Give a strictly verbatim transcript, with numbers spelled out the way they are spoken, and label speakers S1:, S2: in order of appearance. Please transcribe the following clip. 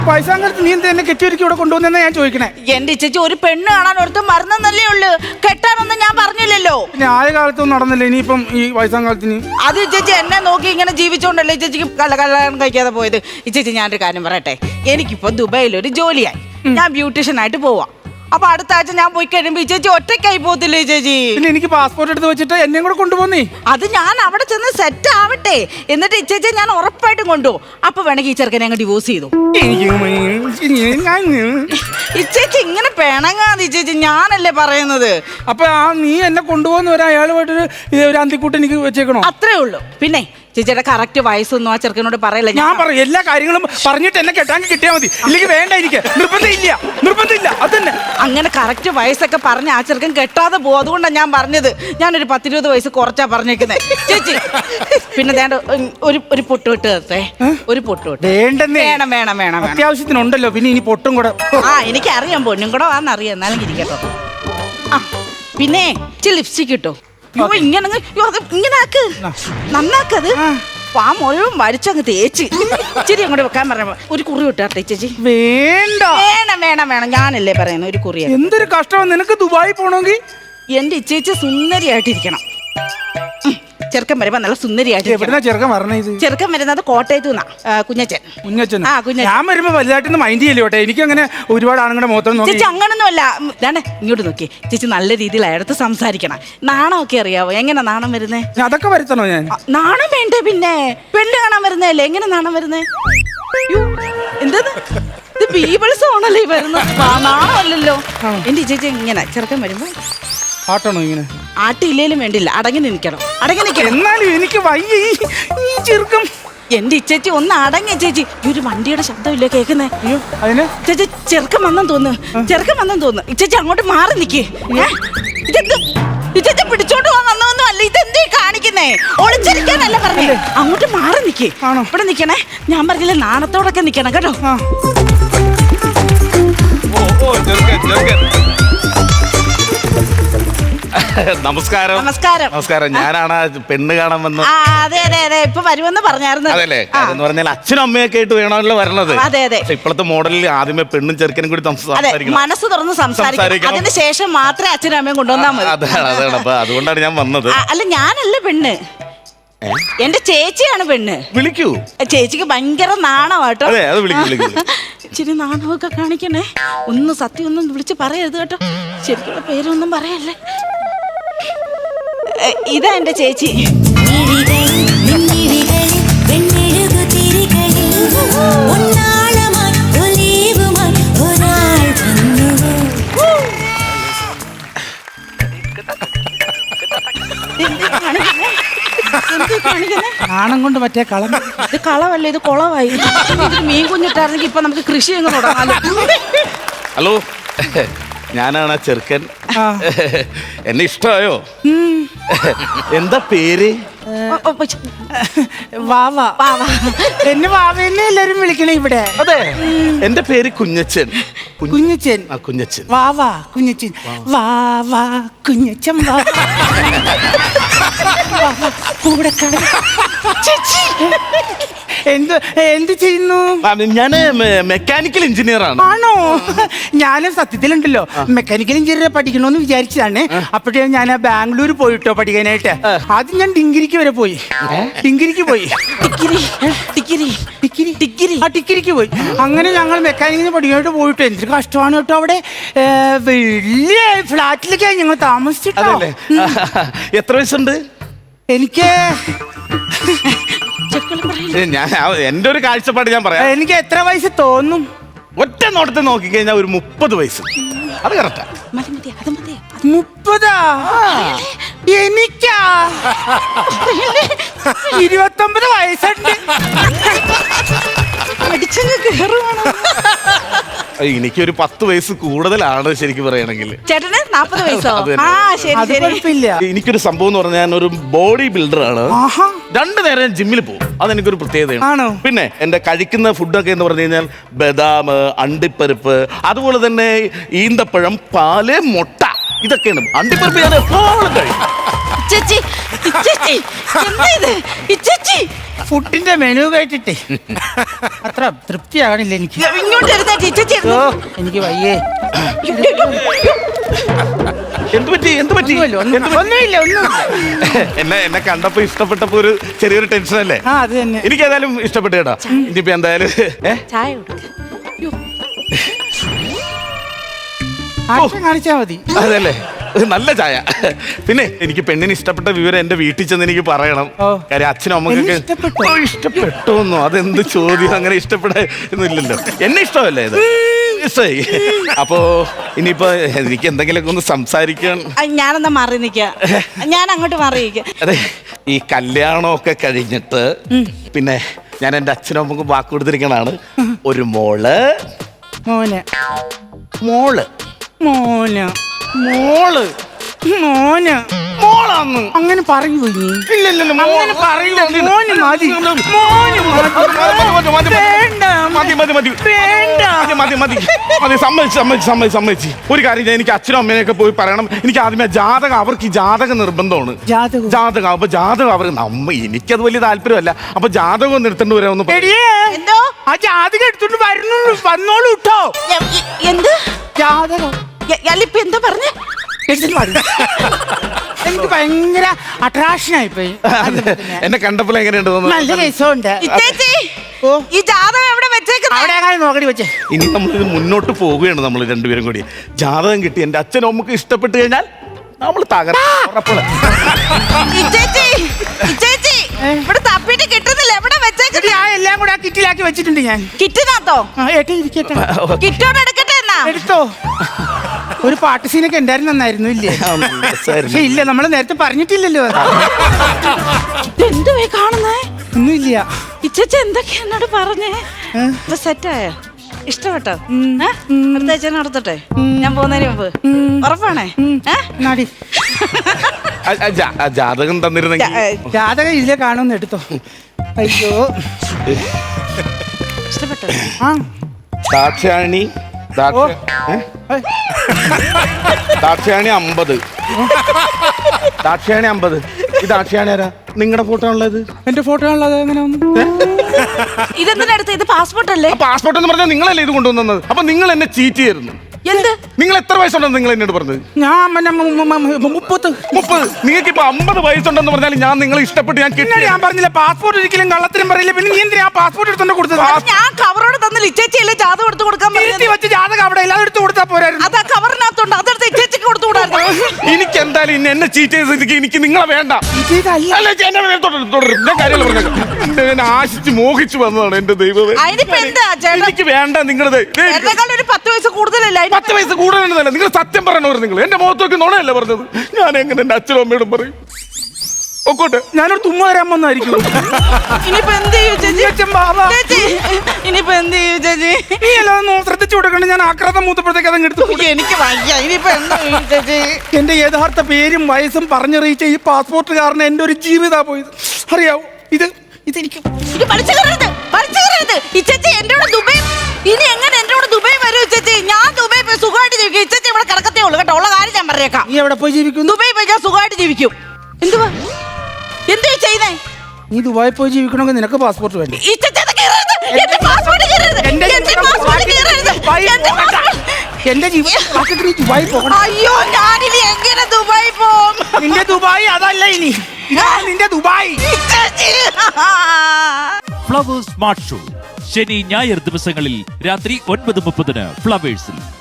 S1: വയസ്സാങ്കാലത്ത് നീ എന്താ എന്നെ കെട്ടിയൊരുക്കി ഇവിടെ കൊണ്ടുവന്നെന്നാ ഞാൻ ചോദിക്കണേ.
S2: എന്റെ ചേച്ചി ഒരു പെണ്ണ് കാണാൻ ഒരുത്തും മറന്നല്ലേ ഉള്ളു, കെട്ടാനൊന്നും ഞാൻ പറഞ്ഞില്ലല്ലോ.
S1: പിന്നെ ആയ കാലത്തൊന്നും നടന്നില്ല, ഇനിയിപ്പം ഈ വയസ്സാങ്കാലത്തിന്
S2: അത് ചേച്ചി എന്നെ നോക്കി ഇങ്ങനെ ജീവിച്ചോണ്ടല്ലേ ചേച്ചിക്ക് കള്ള കല്യാണം കഴിക്കാതെ പോയത്. ഈ ചേച്ചി ഞാനൊരു കാര്യം പറയട്ടെ, എനിക്കിപ്പോ ദുബായിൽ ഒരു ജോലിയായി, ഞാൻ ബ്യൂട്ടീഷ്യൻ ആയിട്ട് പോവാം. അപ്പൊ അടുത്ത ആഴ്ച ഞാൻ പോയി കഴിയുമ്പോ ഈ ചേച്ചി ഒറ്റയ്ക്കായി പോകത്തില്ലേ ചേച്ചി?
S1: പിന്നെ എനിക്ക് പാസ്പോർട്ട് എടുത്ത് വെച്ചിട്ട് എന്നെയും കൂടെ കൊണ്ടുപോന്നേ.
S2: അത് ഞാൻ അവിടെ ചെന്ന് സെറ്റ് ആവട്ടെ, എന്നിട്ട് ഈ ചേച്ചി ഞാൻ ഉറപ്പായിട്ടും കൊണ്ടുപോകും. അപ്പൊ വേണമെങ്കിൽ ഈ ചെറുക്കനെ അങ്ങ് ഡിവോഴ്സ് ചെയ്തു. ഈ ചേച്ചി ഇങ്ങനെ പിണങ്ങാതെ ചേച്ചി, ഞാനല്ലേ പറയുന്നത്.
S1: അപ്പൊ ആ നീ എന്നെ കൊണ്ടുപോകുന്ന ഒരു അയാളുമായിട്ടൊരു ഒരു അന്തിക്കൂട്ട് എനിക്ക് വെച്ചേക്കണോ?
S2: അത്രേ ഉള്ളൂ. പിന്നെ ചേച്ചിയുടെ കറക്റ്റ് വയസ്സൊന്നും ആ ചെറുക്കനോട് പറയല്ല.
S1: ഞാൻ പറയും എല്ലാ കാര്യങ്ങളും പറഞ്ഞിട്ട് എന്നെ കെട്ടാൻ കിട്ടിയാൽ മതി, ഇല്ലെങ്കിൽ വേണ്ട, എനിക്ക് നിർബന്ധമില്ല നിർബന്ധമില്ല അത് തന്നെ.
S2: അങ്ങനെ കറക്റ്റ് വയസ്സൊക്കെ പറഞ്ഞ് ആ ചെറുക്കൻ കെട്ടാതെ പോകും. അതുകൊണ്ടാണ് ഞാൻ പറഞ്ഞത്. ഞാനൊരു പത്തിരുപത് വയസ്സ് കുറച്ചാ പറഞ്ഞേക്കുന്നത് ചേച്ചി. പിന്നെ വേണ്ട ഒരു ഒരു പൊട്ട് വിട്ട് തരട്ടെ, ഒരു പൊട്ട് വിട്ട്.
S1: വേണ്ടെന്നേ.
S2: വേണം വേണം വേണം
S1: അത്യാവശ്യത്തിനുണ്ടല്ലോ, പിന്നെ ഇനി പൊട്ടും കൂടെ.
S2: ആ എനിക്കറിയാം, പൊന്നും കൂടെ വാന്നറിയാം, എന്നാലും ഇരിക്കട്ടോ. ആ പിന്നെ ഇച്ചിരി ലിപ്സ്റ്റിക് കിട്ടോ. ഇങ്ങനെ ഇങ്ങനെ ആക്ക്, നന്നാക്കത്. ആ മുഴുവൻ വരച്ചങ്ങ് തേച്ച് ഇച്ചിരി അങ്ങോട്ട് വെക്കാൻ പറഞ്ഞ ഒരു കുറി വിട്ടാട്ടെ ചേച്ചി.
S1: വേണ്ട
S2: വേണം വേണം വേണം ഞാനല്ലേ പറയുന്നത്, ഒരു കുറി.
S1: എന്തൊരു കഷ്ടമാണ് നിനക്ക് ദുബായി പോണമെങ്കിൽ.
S2: എന്റെ ചേച്ചി സുന്ദരിയായിട്ടിരിക്കണം. ചെറുക്കൻ വരുമ്പോ നല്ല സുന്ദരിയായിട്ട്.
S1: ചെറുക്കൻ പറഞ്ഞത്
S2: ചെറുക്കൻ വരുന്നത് കോട്ടയത്ത് നിന്നാ, കുഞ്ഞച്ചൻ.
S1: കുഞ്ഞച്ചൻ
S2: ആ കുഞ്ഞച്ചൻ.
S1: ഞാൻ വരുമ്പോ വലുതായിട്ടൊന്ന് മൈൻഡ് ചെയ്യല്ലോട്ടെ, എനിക്ക് അങ്ങനെ ഒരുപാട് ആണുങ്ങളുടെ മുഖത്തൊന്നും നോക്കി.
S2: ചേച്ചി അങ്ങനൊന്നും അല്ല, ഇതാണ്ട് ഇങ്ങോട്ട് നോക്കി ചേച്ചി, നല്ല രീതിയിൽ അയാളത്ത് സംസാരിക്കണം. നാണമൊക്കെ അറിയാവോ? എങ്ങനെ നാണം വരുന്നേ?
S1: അതൊക്കെ വരുത്തണോ ഞാൻ?
S2: നാണം വേണ്ടേ പിന്നെ, പെണ്ണ് കാണാൻ വരുന്നതല്ലേ, എങ്ങനെ നാണം വരുന്നേ? എന്താ ഇത് ബീബിൾസ് ആണല്ലേ വരുന്നത്, നാണമല്ലല്ലോ. എന്റെ ചേച്ചി ഇങ്ങനെ ചെറുക്കൻ വരുമ്പോ
S1: ആട്ടണോ ഇങ്ങനെ?
S2: ആട്ടില്ലേലും വേണ്ടില്ല, അടങ്ങി നിൽക്കണം, അടങ്ങി നിൽക്കണം.
S1: എന്നാലും എനിക്ക് വയ്യ ഈ ചെറുക്കം.
S2: എന്റെ ഇച്ചേച്ചി ഒന്ന് അടങ്ങി ചേച്ചി. ഈ ഒരു വണ്ടിയുടെ ശബ്ദമില്ലേ കേൾക്കുന്നേ?
S1: അതിന്
S2: ചേച്ചി ചെറുക്കം വന്നെന്ന് തോന്നുന്നു, ചെറുക്കം വന്നെന്ന് തോന്നുന്നു. ഇച്ചേച്ചി അങ്ങോട്ട് മാറി നിക്കേ. ഇതെന്ത് ഇച്ചേച്ചി പിടിച്ചോണ്ട് പോകാൻ വന്നതൊന്നും അല്ല, ഇതെന്തേ കാണിക്കുന്നേ? ഒളിച്ചിരിക്കാനല്ല പറഞ്ഞേ, അങ്ങോട്ട് മാറി നിക്കേ. ഇവിടെ നിക്കണേ, ഞാൻ പറഞ്ഞില്ലേ നാണത്തോടൊക്കെ നിക്കണം കേട്ടോ.
S3: നമസ്കാരം.
S2: നമസ്കാരം.
S3: നമസ്കാരം. ഞാനാണ് പെണ്ണ് കാണാൻ വന്നത്.
S2: അതെ അതെ അതെ, ഇപ്പൊ വരുമെന്ന് പറഞ്ഞായിരുന്നു.
S3: അതല്ലേ, എന്ന് പറഞ്ഞാൽ അച്ഛനും അമ്മയൊക്കെ ആയിട്ട് വേണമല്ലോ വരണത്.
S2: അതെ അതെ.
S3: ഇപ്പോഴത്തെ മോഡലിൽ ആദ്യമേ പെണ്ണും ചെറുക്കനും കൂടി സംസാരിക്കണം,
S2: മനസ്സ് തുറന്ന് സംസാരിക്കണം. അതിന് ശേഷം മാത്രമേ അച്ഛനും അമ്മയും കൊണ്ടുവന്നാൽ മതി.
S3: അതാണ് അതാണ് അപ്പൊ അതുകൊണ്ടാണ് ഞാൻ വന്നത്.
S2: അല്ല ഞാനല്ല പെണ്ണ്, എന്റെ ചേച്ചിയാണ് പെണ്ണ്.
S3: വിളിക്കൂ.
S2: ചേച്ചിക്ക് ഭയങ്കര നാണമാട്ടോ.
S3: അതെ അത് വിളിക്കൂ വിളിക്കൂ.
S2: ഇച്ചിരി നാണമൊക്കെ കാണിക്കണേ, ഒന്നും സത്യം ഒന്നും വിളിച്ച് പറയരുത് കേട്ടോ. ശരിക്കുള്ള പേരൊന്നും പറയല്ലേ. ഇതാ എന്റെ ചേച്ചി.
S1: നാണം കൊണ്ട് മറ്റേ കളം.
S2: ഇത് കളവല്ല, ഇത് കുളമായി. ഇത് മീൻ കുഞ്ഞിട്ടായിരുന്നെങ്കിൽ ഇപ്പൊ നമുക്ക് കൃഷി അങ്ങ് തുടങ്ങാലോ.
S3: ഹലോ, ഞാനാണ് ആ ചെറുക്കൻ. എന്നെ ഇഷ്ടമായോ? എന്താ പേര്?
S1: വാവ. എന്നെ വാവന്നെ എല്ലാരും വിളിക്കണേ ഇവിടെ.
S3: അതെ, എന്റെ പേര് കുഞ്ഞച്ചൻ.
S1: കുഞ്ഞച്ചൻ.
S3: ആ കുഞ്ഞച്ചൻ.
S1: വാവാ കുഞ്ഞച്ചൻ. വാവാ കുഞ്ഞച്ചൻ. എന്ത് എന്ത് ചെയ്യുന്നു?
S3: ഞാന് മെക്കാനിക്കൽ എഞ്ചിനീയർ ആണ്.
S1: ആണോ? ഞാനും സത്യത്തിലുണ്ടല്ലോ മെക്കാനിക്കൽ എഞ്ചിനീയർ പഠിക്കണോന്ന് വിചാരിച്ചതാണ്. അപ്പോഴേ ഞാൻ ബാംഗ്ലൂർ പോയിട്ടോ പഠിക്കാനായിട്ട്. ആദ്യം ഞാൻ ഡിഗ്രിക്ക് വരെ പോയി. ഡിഗ്രിക്ക് പോയി ഡിഗ്രി ഡിഗ്രി ഡിഗ്രി ആ ഡിഗ്രിക്ക് പോയി. അങ്ങനെ ഞങ്ങൾ മെക്കാനിക്കിന് പഠിക്കാനായിട്ട് പോയിട്ട് എന്തൊരു കഷ്ടമാണ് കേട്ടോ. അവിടെ വലിയ ഫ്ലാറ്റിലൊക്കെയാണ് ഞങ്ങൾ താമസിച്ചിട്ടോ.
S3: എത്ര വയസ്സുണ്ട്?
S1: എനിക്ക്
S3: ഞാൻ എന്റെ ഒരു കാഴ്ചപ്പാട് ഞാൻ പറയാം.
S1: എനിക്ക് എത്ര വയസ്സ് തോന്നും?
S3: ഒറ്റ നോട്ടത്തെ നോക്കിക്കഴിഞ്ഞാൽ ഒരു മുപ്പത് വയസ്സ്. അത് കറക്റ്റാ.
S1: മുപ്പതാ? എനിക്കാ ഇരുപത്തൊമ്പത് വയസ്സുണ്ട്.
S3: എനിക്കൊരു പത്ത് വയസ്സ് കൂടുതലാണ് ശരിക്കും പറയുകയാണെങ്കിൽ.
S2: ചേട്ടന് നാപ്പത് വയസ്സോ?
S3: എനിക്കൊരു സംഭവം എന്ന് പറഞ്ഞാൽ ഞാൻ ഒരു ബോഡി ബിൽഡർ ആണ്. രണ്ടു നേരം ജിമ്മിൽ പോകും, അതെനിക്കൊരു പ്രത്യേകതയാണ്. പിന്നെ എന്റെ കഴിക്കുന്ന ഫുഡൊക്കെ എന്ന് പറഞ്ഞു കഴിഞ്ഞാൽ ബദാം, അണ്ടിപ്പരിപ്പ്, അതുപോലെ തന്നെ ഈന്തപ്പഴം, പാല്, മുട്ട, ഇതൊക്കെയാണ്. അണ്ടിപ്പരിപ്പ് ഞാൻ എപ്പോഴും കഴിക്കും.
S2: ചേച്ചി ഇച്ചേച്ചി, എന്താ ഇത്? ഇച്ചേച്ചി,
S1: ഫുഡിന്റെ മെനു കേട്ടിട്ടേ അത്ര തൃപ്തിയാകണില്ല എനിക്ക്.
S2: ഇങ്ങോട്ട് ഇരുന്നേറ്റ് ഇച്ചേച്ചി
S1: ഓ
S2: ഇരുന്ന്.
S1: എനിക്ക് വയ്യേ.
S3: എന്ത് പറ്റി എന്ത് പറ്റി
S1: ഒന്നുമില്ല, ഒന്നും-
S3: എന്ത് പറ്റി?
S1: ഒന്നുമില്ല ഒന്നുമില്ല.
S3: എന്നെ എന്നെ കണ്ടപ്പോ ഇഷ്ടപ്പെട്ടപ്പോ ഒരു ചെറിയൊരു ടെൻഷൻ അല്ലേ?
S1: ആ അത് തന്നെ.
S3: എനിക്ക് ഏതായാലും ഇഷ്ടപ്പെട്ടു കേട്ടോ. ഇനിയിപ്പോ എന്തായാലും ഏ?
S2: ചായ കൊടുക്ക.
S1: ആക്ഷൻ കാണിച്ചാ മതി.
S3: അതല്ലേ ഇത് നല്ല ചായ. പിന്നെ എനിക്ക് പെണ്ണിന് ഇഷ്ടപ്പെട്ട വിവരം എന്റെ വീട്ടിൽ ചെന്ന് എനിക്ക് പറയണം.
S1: ഓ.
S3: കാര്യം അച്ഛനും അമ്മക്കൊക്കെ
S1: എന്നെ ഇഷ്ടപ്പെട്ടോ?
S3: ഓ, ഇഷ്ടപ്പെട്ടോന്നോ? അതെന്ത് ചോദ്യം? അങ്ങനെ ഇഷ്ടപ്പെടാന്നില്ലല്ലോ. എന്നെ ഇഷ്ടമല്ലേ ഇത്? ഇഷ്ടമായി. അപ്പോ ഇനിയിപ്പോ എനിക്ക് എന്തെങ്കിലുമൊക്കെ ഒന്ന് സംസാരിക്കാൻ.
S2: ആ, ഞാനെന്നാ മാറി നിക്ക. ഞാൻ അങ്ങോട്ട് മാറി നിക്ക.
S3: അതെ, ഈ കല്യാണമൊക്കെ കഴിഞ്ഞിട്ട് പിന്നെ ഞാൻ എൻ്റെ അച്ഛനും അമ്മക്കും വാക്ക് കൊടുത്തിരിക്കണാണ്. ഒരു മോള്
S1: മോനെ
S3: മോള്
S1: മോന
S3: മോള്
S1: മോന
S3: മോളാന്ന്
S1: അങ്ങനെ പറയൂ നീ.
S3: ഇല്ലല്ലോ
S1: അങ്ങനെ പറയൂ. മോന് മതി. മോന് മതി. വേണ്ട.
S3: മതി മതി മതി
S1: വേണ്ട.
S3: മതി മതി മതി മതി സമ്മതിച്ച് സമ്മതിച്ച് സമ്മതിച്ച് സമ്മതിച്ച് ഒരു കാര്യം ഞാൻ എനിക്ക് അച്ഛനും അമ്മേനെയൊക്കെ പോയി പറയണം. എനിക്ക് ആദ്യമേ ജാതകം, അവർക്ക് ഈ ജാതകം നിർബന്ധമാണ്.
S1: ജാതകം?
S3: ജാതകം അപ്പൊ ജാതകം അവർ നമ്മ എനിക്കത് വലിയ താല്പര്യമല്ല. അപ്പൊ ജാതകം ഒന്ന് എടുത്തോണ്ട് വരാമെന്ന് പറ-
S1: എടിയേ,
S2: എന്തോ?
S1: ആ ജാതകം എടുത്തോണ്ട് വരുന്നു. വന്നോളൂ കേട്ടോ.
S2: എ- എ- എന്ത്?
S1: ജാതകം
S2: എ- അല്ലിപ്പ എന്താ പറഞ്ഞ?
S1: എടുത്തിട്ട് വരൂ. എനിക്ക് ഭയങ്കര അട്രാക്ഷൻ ആയിപ്പോയി.
S3: എന്നെ കണ്ടപ്പോൾ എങ്ങനെയുണ്ട്
S1: നല്ല
S3: തോന്നുന്നു?
S1: രസമുണ്ട്.
S2: ഇച്ചേച്ചി,
S1: ഓ.
S2: ഈ ജാതകം എവിടെ വെച്ചേക്കുന്നത്?
S1: അവിടെ അങ്ങനെ നോക്കടി വെച്ചേ.
S3: ഇനി നമ്മൾ ഇത് മുന്നോട്ട് പോവുകയാണ്. നമ്മൾ രണ്ടുപേരും കൂടി ജാതകം കിട്ടി എന്റെ അച്ഛനും അമ്മക്ക് ഇഷ്ടപ്പെട്ട് കഴിഞ്ഞാൽ നമ്മൾ തകർപ്പുള്ള
S2: ഇച്ചേച്ചി, ഇച്ചേച്ചി, ഇവിടെ തപ്പിട്ട് കിട്ടുന്നില്ല. എവിടെ വെച്ചേക്കുന്നത്?
S1: ഞാൻ എല്ലാം കൂടെ ആ കിറ്റിലാക്കി വെച്ചിട്ടുണ്ട് ഞാൻ.
S2: കിറ്റിനകത്തോ?
S1: ആ, ഏട്ടാ ഇരിക്കട്ടെ.
S2: കിറ്റോടെ എടുക്കട്ടെ എന്നാ?
S1: എടുത്തോ. ഒരു പാട്ട് സീനൊക്കെ ഉണ്ടായിരുന്നു, നന്നായിരുന്നു ഇല്ലേ? പക്ഷെ ഇല്ല, നമ്മൾ നേരത്തെ പറഞ്ഞിട്ടില്ലല്ലോ അത്.
S2: എന്തുവേ കാണുന്നേ?
S1: ഒന്നുമില്ല.
S2: ഇച്ചേച്ചി എന്തൊക്കെയാ എന്നോട് പറഞ്ഞേ? ഇപ്പൊ സെറ്റായോ? ഇഷ്ടപ്പെട്ടോ? ഏ? അടുത്ത ആഴ്ച നടത്തട്ടെ? ഞാൻ പോകുന്നതിന് മുമ്പ് ഉറപ്പാണേ? ഏ?
S1: നാടി
S3: ജാതകം തന്നിരുന്നെങ്കിൽ
S2: ജാ-
S1: ജാതകം ഇതിലെ കാണുമെന്ന് എടുത്തോ. അയ്യോ.
S2: ഇഷ്ടപ്പെട്ടോ?
S1: ആ
S3: ദാക്ഷായണി ദാക്ഷ- ഏ?
S1: ഏയ്.
S3: ദാക്ഷായണി അമ്പത് ദാക്ഷായണി അമ്പത് ഈ ദാക്ഷായണി ആരാ? നിങ്ങളുടെ ഫോട്ടോ ഉള്ളത്?
S1: എന്റെ ഫോട്ടോ ഉള്ളത് എങ്ങനെ വന്നു?
S2: ഇതെന്തിനടുത്ത്? ഇത് പാസ്പോർട്ട് അല്ലേ?
S3: പാസ്പോർട്ട് എന്ന് പറഞ്ഞാൽ നിങ്ങളല്ലേ ഇത് കൊണ്ടുവന്നത്? അപ്പൊ നിങ്ങൾ എന്നെ ചീറ്റ് ചെയ്യുന്നു.
S2: എന്ത്?
S3: നിങ്ങൾ എത്ര വയസ്സുണ്ടെന്ന് നിങ്ങൾ എന്നോട് പറഞ്ഞത്?
S1: ഞാൻ പിന്നെ മു- മു- മു- മുപ്പത്ത്.
S3: മുപ്പത്. നിങ്ങൾക്ക് ഇപ്പൊ അമ്പത് വയസ്സുണ്ടെന്ന് പറഞ്ഞാൽ ഞാൻ നിങ്ങളെ ഇഷ്ടപ്പെട്ട് ഞാൻ
S1: പിന്നെ
S3: കിട്ടി.
S1: ഞാൻ പറഞ്ഞില്ല പാസ്പോർട്ട് ഒരിക്കലും കള്ളത്തിനും പറയില്ല. പിന്നെ നീ എന്തിനാ പാസ്പോർട്ട് എടുത്തോണ്ട് കൊടുത്തത്?
S2: അത് ഞാൻ കവറോട് തന്നില്ല. ഇച്ചേച്ചിയല്ലേ ജാതകം എടുത്ത് കൊടുക്കാൻ
S1: തിരുത്തി
S2: പറഞ്ഞത്?
S1: വെച്ച് ജാതകം അവിടെ എല്ലാം എടുത്ത് കൊടുത്താ പോരായിരുന്നു.
S2: അത് ആ കവറിനകത്തുണ്ട്. അതെടുത്ത് ഇച്ചേച്ചിക്ക് കൊടുത്തു കൂടായിരുന്നു?
S3: എനിക്ക് എന്തായാലും ഇന്ന് എന്നെ ചീറ്റ് ചെയ്ത് എനിക്ക് നിങ്ങളെ വേണ്ട.
S1: ഇതല്ല.
S3: അല്ല, ചേ, എന്നെ വേണ്ട, തുടരും, തുടരും. ഞാൻ കാര്യങ്ങൾ പറഞ്ഞേക്കാം. ഞാൻ ആശിച്ച് മോഹിച്ചു വന്നതാണ് എന്റെ ദൈവമേ.
S2: അതിനിപ്പോ എന്താ ചേട്ടാ?
S3: എനിക്ക് വേണ്ട നിങ്ങളത്.
S2: എന്നെക്കാൾ ഒരു പത്ത് വയസ്സ് കൂടുതലല്ല. അതിന്
S3: പത്ത് വയസ്സ് കൂടുതലല്ല. നിങ്ങൾ സത്യം പറയണവർ. നിങ്ങൾ എന്റെ മുഖത്തൊക്കെ നുണയല്ല പറഞ്ഞത്. ഞാൻ എങ്ങനെ എന്റെ അച്ഛനും അമ്മയോടും പറയും? ഒക്കോട്ടെ,
S1: ഞാനൊരു തുമ്മ വരാൻ വന്നായിരിക്കും.
S2: ഇനിയിപ്പോ എന്ത് ചെയ്യും ചേച്ചി?
S1: അച്ഛൻ ബാബ.
S2: ചേച്ചി, ഇനിയിപ്പോ എന്ത് ചെയ്യും ചേച്ചി?
S1: നീ എല്ലാം ശ്രദ്ധിച്ചു കൊടുക്കണ്ട. ഞാൻ ആക്രാന്തം മൂത്തപ്പോഴത്തേക്ക് അതങ്ങ് എടുത്തു.
S2: എനിക്ക് വയ്യ. ഇനിയിപ്പോ എന്താ ചെയ്യും ചേച്ചി?
S1: എന്റെ യഥാർത്ഥ പേരും വയസ്സും പറഞ്ഞറിയിച്ച ഈ പാസ്പോർട്ട് കാരണം എന്റെ ഒരു ജീവിതാ പോയത്. അറിയാവൂ, ഇത് ഇതെനിക്ക്
S2: ഇത് പഠിച്ചു കയറരുത്, പഠിച്ചു കയറരുത്. ഈ ചേച്ചി എന്റെ കൂടെ ദുബൈ, ഇനി എങ്ങനെ എന്റെ കൂടെ ദുബൈ വരും ചേച്ചി? ഞാൻ ദുബൈ പോയി സുഖമായിട്ട് ജീവിക്കും. ഈ ചേച്ചി ഇവിടെ കിടക്കത്തേ ഉള്ളൂ കേട്ടോ. ഉള്ള കാര്യം ഞാൻ പറഞ്ഞേക്കാം.
S1: നീ എവിടെ പോയി ജീവിക്കുന്നു?
S2: ദുബൈ പോയി ഞാൻ സുഖമായിട്ട് ജീവിക്കും. എന്തുവാ എന്തുവാ ചെയ്യുന്നേ?
S1: നീ ദുബായി പോയി ജീവിക്കണമെങ്കിൽ നിനക്ക് പാസ്പോർട്ട് വേണ്ടേ?
S2: ഈ ചേച്ചി അത് കയറരുത്. എന്റെ പാസ്പോർട്ട് കയറരുത്.
S1: എന്റെ
S2: എന്റെ പാസ്പോർട്ട് കയറരുത്.
S1: ദുബായി
S2: എന്റെ
S1: പോകണ്ട.
S2: പാസ്പോർട്ട്.
S1: എന്റെ ജീവിതത്തിൽ നീ ദുബായി പോകണം.
S2: അയ്യോ, ഞാനിനി എങ്ങനെ ദുബായി പോകും?
S1: നിന്റെ ദുബായി അതല്ല ഇനി. ഞാൻ നിന്റെ ദുബായി.
S2: ഈ ചേച്ചി.
S4: ഫ്ലവേഴ്സ് സ്മാർട്ട് ഷോ ശനി ഞായർ ദിവസങ്ങളിൽ രാത്രി ഒൻപത് മുപ്പതിന് ഫ്ലവേഴ്സിൽ.